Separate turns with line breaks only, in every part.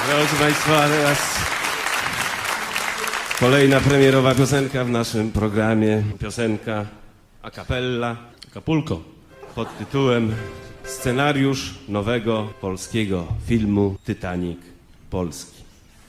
Proszę Państwa, teraz kolejna premierowa piosenka w naszym programie. Piosenka a cappella,
Acapulco.
pod tytułem Scenariusz nowego polskiego filmu Titanic Polski.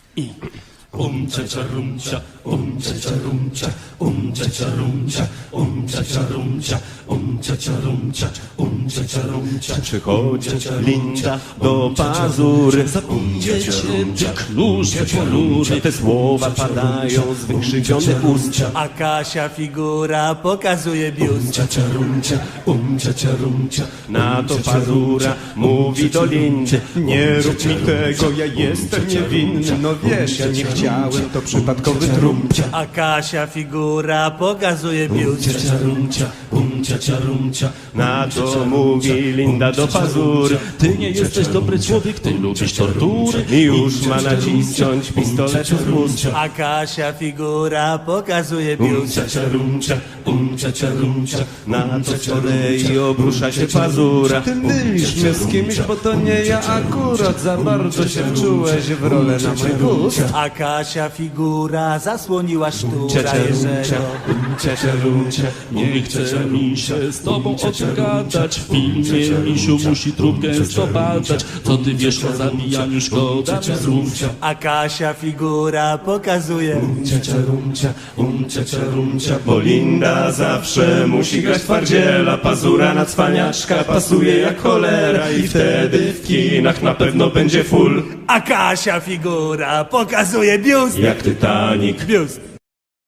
Cia rumcia, cia rumcia, cia rumcia, cia rumcia, cia rumcia, cia rumcia.
Przychodzi Linda do Pazury,
Zapomniecie nóż ponury.
te słowa padają z wykrzywionych ust.
A Kasia figura pokazuje biust.
Cia rumcia, cia rumcia.
Na to Pazura mówi do Lindy: nie rób mi tego, ja jestem niewinny. No wiesz, ja nie chciałem, to przypadkowy trup.
A Kasia figura pokazuje biust.
Cia rumcia, cia rumcia.
Na to mówi Linda do Pazury:
Ty nie jesteś dobry człowiek, ty lubisz tortury.
i już ma nacisnąć pistolet z ust.
A Kasia figura pokazuje biust.
Cia rumcia, cia rumcia.
Na to z kolei obrusza się Pazura:
Ty mylisz mnie z kimś, bo to nie ja akurat. Za bardzo się wczułeś w rolę na mój gust.
A Kasia figura zasłoniła sztura Jerzego.
Cia rumcia, nie chce mi się z tobą o tym gadać. W filmie misiu musi trup gęsto badać. Co ty wiesz o zabijaniu, szkoda mi znów.
A Kasia figura pokazuje.
Cia rumcia,
Bo Linda zawsze musi grać twardziela. Pazura na cwaniaczka pasuje jak cholera. I wtedy w kinach na pewno będzie full
A Kasia figura pokazuje biust.
jak Titanic.
Biust.